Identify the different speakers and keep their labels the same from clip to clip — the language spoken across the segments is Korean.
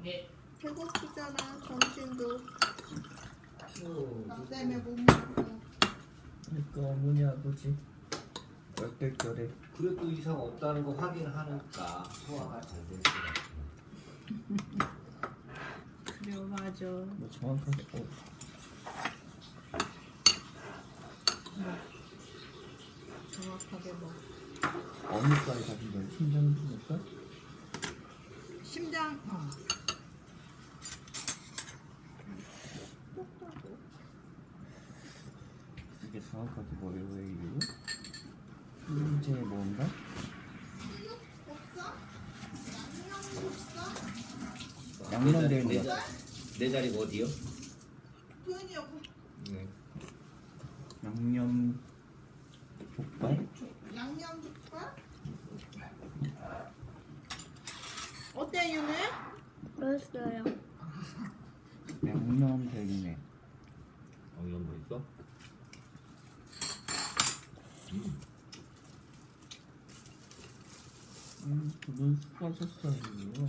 Speaker 1: 배고프잖아. 점심도 밥 때문에 못 먹고.
Speaker 2: 그러니까 어머니 아버지 얼떨결에
Speaker 3: 그래도 이상 없다는 거 확인하니까 소화가 잘 될 것 같아.
Speaker 1: 그래 맞아.
Speaker 2: 뭐 정확하게
Speaker 1: 정확하게 뭐
Speaker 2: 어느 과에 가신 거예요? 심장부과?
Speaker 1: 심장
Speaker 2: 이게 정확하게 뭐예요? 왜 이유로? 이제 뭔가?
Speaker 1: 없어? 없어?
Speaker 2: 양념된 거.
Speaker 3: 내 자리가 어디요?
Speaker 1: 돈이 없고
Speaker 3: 네.
Speaker 2: 양념 족발?
Speaker 1: 양념 족발? 어때 윤혜?
Speaker 4: 맛있어요.
Speaker 2: 양념 되기네.
Speaker 3: 이런 거 있어?
Speaker 2: 두분 수고하셨어요.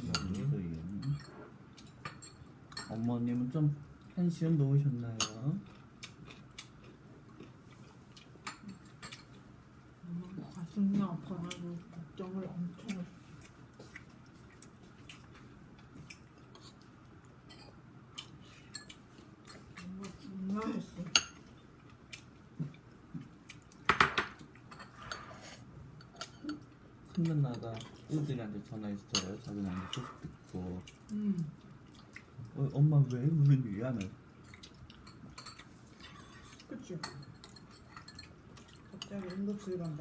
Speaker 2: 어머님은 좀 한시간 놓으셨나요?
Speaker 1: 가슴이 아파가지고 걱정을 엄청 했어. 정말 했어.
Speaker 2: 큰 누나가 애들한테 전화했어요. 자기 나한테 소식 듣고 엄마 왜 무슨 일이야? 나
Speaker 1: 그치? 갑자기 응급실 간다.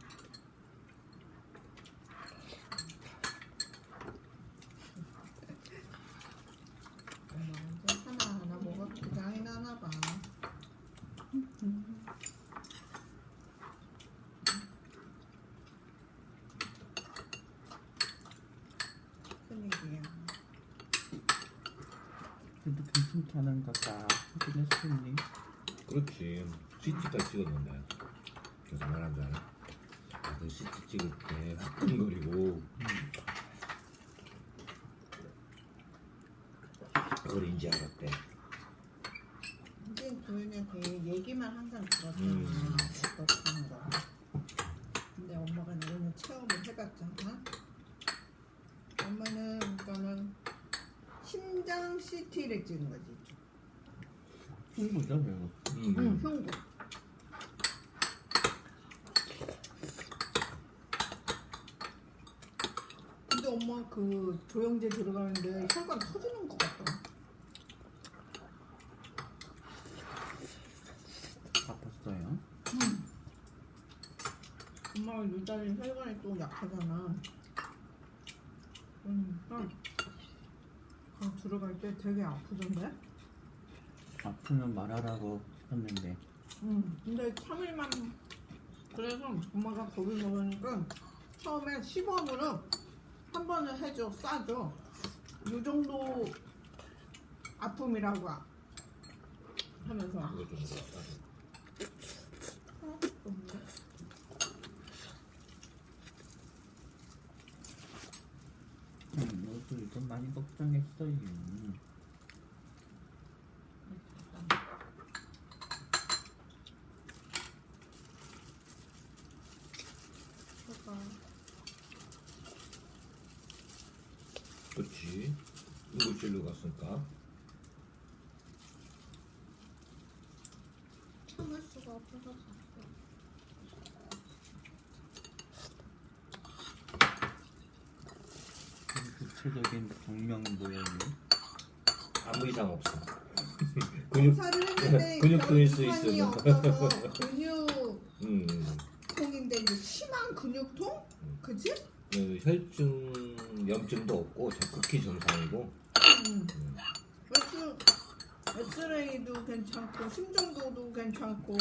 Speaker 1: 엄마 이제 하나하나 뭐가 기장이 나나 봐. 큰일이야.
Speaker 2: 그래도 괜찮다는 거다. 확인했었니?
Speaker 3: 그렇지. CT까지 찍었는데. 그래서 말한 줄 알아? 그 CT 찍을 때 화끈거리고 그걸 인지 알았대.
Speaker 1: 이제 도현이한테 얘기만 항상 들었잖아. 그렇다는 거. 근데 엄마가 오늘 체험을 해봤잖아. 엄마는 그러니까는 심장 CT를 찍은 거지.
Speaker 2: 흉부죠, 배우.
Speaker 1: 응, 흉부. 근데 엄마 그 조영제 들어가는데 혈관 터지는 것 같다.
Speaker 2: 아팠어요?
Speaker 1: 엄마가 유달리 혈관이 또 약하잖아. 그러니까 들어갈 때 되게 아프던데?
Speaker 2: 아프면 말하라고 했는데
Speaker 1: 근데 3일만 그래서 엄마가 겁을 먹으니까 처음에 시범으로 한 번을 해줘, 싸줘. 이 정도 아픔이라고 하면서.
Speaker 3: 그거 좀 그렇다.
Speaker 2: 너도 이건 많이 걱정했어요.
Speaker 3: 그렇지. 응급실로 갔으니까.
Speaker 1: 참을 수가 없어서 잤어.
Speaker 2: 구체적인 병명 모양이
Speaker 3: 아무 이상 없어.
Speaker 1: 검사를 했는데
Speaker 3: 근육통일 수
Speaker 1: 이상이
Speaker 3: 있어.
Speaker 1: 없어서 근육통인데
Speaker 3: 음.
Speaker 1: 이제 심한 근육통? 그치?
Speaker 3: 혈중 염증도 없고 극히 정상이고.
Speaker 1: 엑스레이도 괜찮고 심전도도 괜찮고.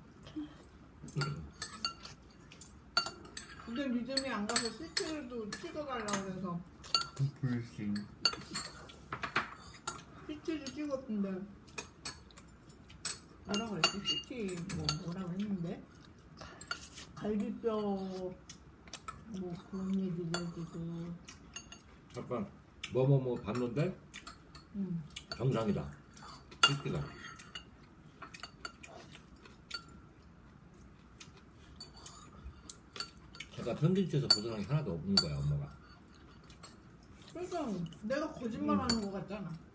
Speaker 1: 근데 믿음이 안 가서 CT도 찍어달라고 해서
Speaker 2: 불신
Speaker 1: CT도 찍었던데 뭐라고 그랬지? CT 뭐라고 했는데 갈비뼈 뭐 그런 얘기도 해주고.
Speaker 3: 아빠 뭐뭐뭐 봤는데 정상이다. CT가. 제가 편집체에서 벗어난 게 하나도 없는 거야 엄마가.
Speaker 1: 그러니까 내가 거짓말하는 거 같잖아.